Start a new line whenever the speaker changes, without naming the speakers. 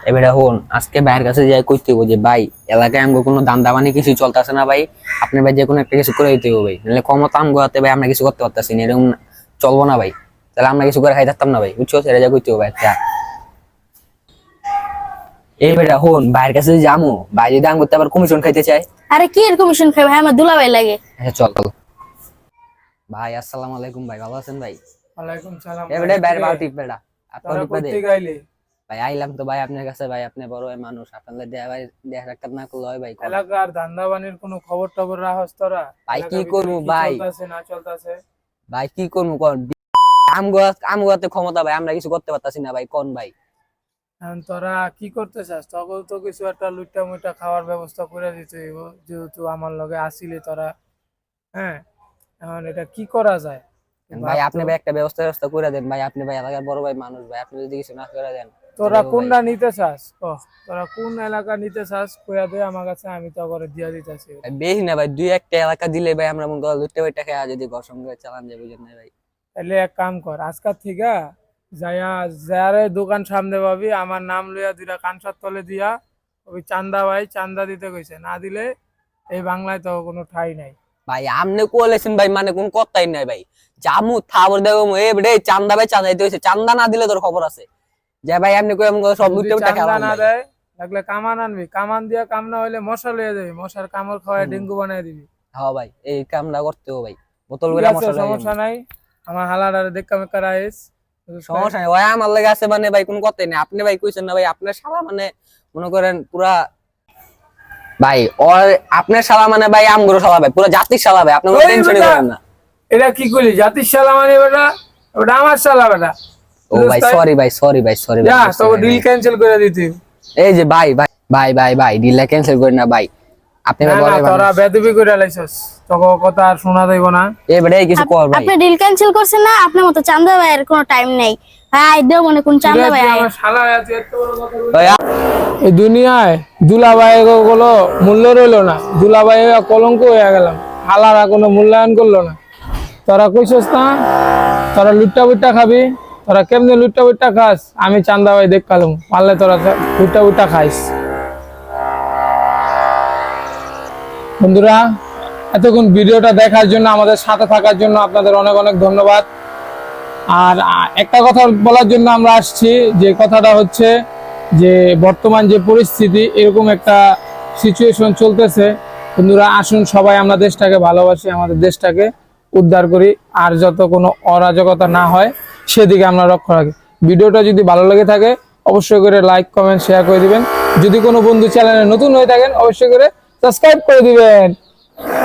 এবারে হন আজকে ভাইয়ের কাছে যাই কইতে হইব যে ভাই এলাকায় আমগো কোনো দাম দামানি কিছু চলতেছে না ভাই, আপনি ভাই যে কোনো একটা কিছু করে দিতে হবে ভাই, নাহলে ক্ষমতা আমগো হাতে ভাই আমরা কিছু করতে পারতাছি না, এরকম চলবো না ভাই। তাহলে আমরা কিছু করে খাই থাকতাম না ভাই, বুঝছো? সেটা যা কইতে হবে ভাই একটা। এবারে হন ভাইয়ের কাছে যামু, ভাই যদি আম করতে আবার কমিশন খাইতে চায়।
আরে কি এর কমিশন খাই ভাই, আমার দুলাভাই লাগে।
আচ্ছা চল ভাই। আসসালামু আলাইকুম ভাই, ভালো আছেন ভাই?
ওয়ালাইকুম সালাম।
এবারে ভাইয়ের বাল টিপ বেড়া আপনার
তোরা
টিপে দে
কইতে গাইলি?
ভাই। আইলাম তো ভাই আপনার কাছে ভাই, আপনি বড় ভাই মানুষ, আপনাদের দেয়া ভাই দেয়া রাখতে না করলে হয় ভাই?
এলাকার ধান্দাবানির কোনো খবর টবর রাখস তোরা?
ভাই কি
এলাকার
করবো
ভিতরে কি
ভাই?
চলতেছে না চলতেছে?
ভাই কি করবো কোন? আমগো হাতে ক্ষমতা ভাই, আমরা কিছু করতে পারতাছি না ভাই, কোন ভাই?
এখন তোরা কি করতে চাস? তখন তো কিছু একটা লুইটা মুইটা খাওয়ার ব্যবস্থা করে দিতে হইব, যেহেতু আমার লগে আসিলি তোরা। হ্যাঁ, এখন এটা কি করা যায়
ভাই
ভাব
আপনি
তো।
ভাই একটা ব্যবস্থা করে দেন ভাই, আপনি ভাই এলাকার বড় ভাই মানুষ ভাই, আপনি যদি কিছু না করে দেন।
তোরা
তাহলে
কোনটা
ভাই
নিতে চাস? তোরা কোন এলাকা নিতে চাস কইয়া দে আমার কাছে, আমি তো করে দিয়া দিতেছি।
ভাই বেশি না ভাই, দুই একটা এলাকা দিলে ভাই আমরা মনে করি লুটে বইটা খেয়ে যদি ঘর সঙ্গে চালান যাবে, বুঝেন না ভাই?
তাহলে এক কাম কর, আজকাল থেকে যাইয়া যারে দোকান সামনে পাবি আমার নাম লইয়া দুইটা কানসার তলে দিয়া ওই চান্দা ভাই চান্দা দিতে কইছে, না দিলে এই বাংলায় তো কোনো ঠাই নাই।
ভাই আমনে কোলেছেন ভাই, মানে কোন কথাই নাই ভাই। জামু থাবর দেবো এ বেড়ে চান্দা ভাই, চান্দা দিতে হইছে, চান্দা না দিলে তোর খবর আছে যে ভাই আপনি কই আমগো সব
যদি
লুটে বইটা
চান্দা
খেলাম
না
ভাই।
দেয় লাগলে কামান আনবি, কামান দিয়া কাম না হইলে মশা লইয়া যাবি, মশার কামড় খাওয়ায় ডেঙ্গু বানাই দিবি।
হ্যাঁ ভাই এই কামটা করতে হবে ভাই, বোতল
ঠিক
করে
আছে,
মশলা
সমস্যা নাই। আমার হালাডারে দেখা মেকা রাইস।
সমস্যা নেই ভাই, আমার লাগে আছে মানে ভাই কোন কথাই নেই। আপনি ভাই কইছেন না ভাই আপনার শালা মানে মনে করেন পুরা ভাই, ওর আপনার শালা মানে ভাই আমগুলো শালা ভাই, পুরো জাতির শালা ভাই, আপনি কোনো
ওই
টেনশনই
বেটা,
করেন না।
এটা কি করলি? জাতির শালা মানে বেটা, ওটা আমার শালা বেটা।
ও ভাই সরি ভাই, সরি ভাই, সরি
যা
ভাই।
তো ডিল ক্যান্সেল করে দিতে।
এই যে ভাই ভাই ভাই ভাই ভাই ডিলটা ক্যান্সেল করেন না ভাই, আপনি ভাই
না
বড়
না,
ভাই
তোরা বেদবি করে লাইছস, তোকে কথা আর শোনা যাইব না।
এই বেটা কিছু কর ভাই।
আপনি ডিল ক্যান্সেল করছেন না, আপনার মতো চান্দা ভাইয়ের কোনো টাইম নেই। ভাই দেও মনে কোন চান্দা ভাই আয়।
আমার শালা আছে এত বড় কথা বলছিস?
ভাই
এই দুনিয়ায় দুলাভাই গুলো মূল্য রইলো না, দুলাভাই কলঙ্ক হয়ে গেলাম, হালারা কোনো মূল্যায়ন করলো না। তোরা কইছস না তোরা লুট্টা বুট্টা খাবি, তোরা কেমনে লুট্টা বুট্টা খাস আমি চান্দা ভাই দেখ কালুম, পারলে তোরা লুট্টা বুট্টা খাইস। বন্ধুরা, এতক্ষণ ভিডিওটা দেখার জন্য, আমাদের সাথে থাকার জন্য আপনাদের অনেক অনেক ধন্যবাদ। আর একটা কথা বলার জন্য আমরা আসছি, যে কথাটা হচ্ছে যে বর্তমান যে পরিস্থিতি, এরকম একটা সিচুয়েশন চলতেছে। বন্ধুরা আসুন সবাই আমরা দেশটাকে ভালোবাসি, আমাদের দেশটাকে উদ্ধার করি, আর যত কোনো অরাজকতা না হয় সেদিকে আমরা লক্ষ্য রাখি। ভিডিওটা যদি ভালো লেগে থাকে অবশ্যই করে লাইক কমেন্ট শেয়ার করে দিবেন। যদি কোনো বন্ধু চ্যানেলে নতুন হয়ে থাকেন অবশ্যই করে সাবস্ক্রাইব করে দিবেন।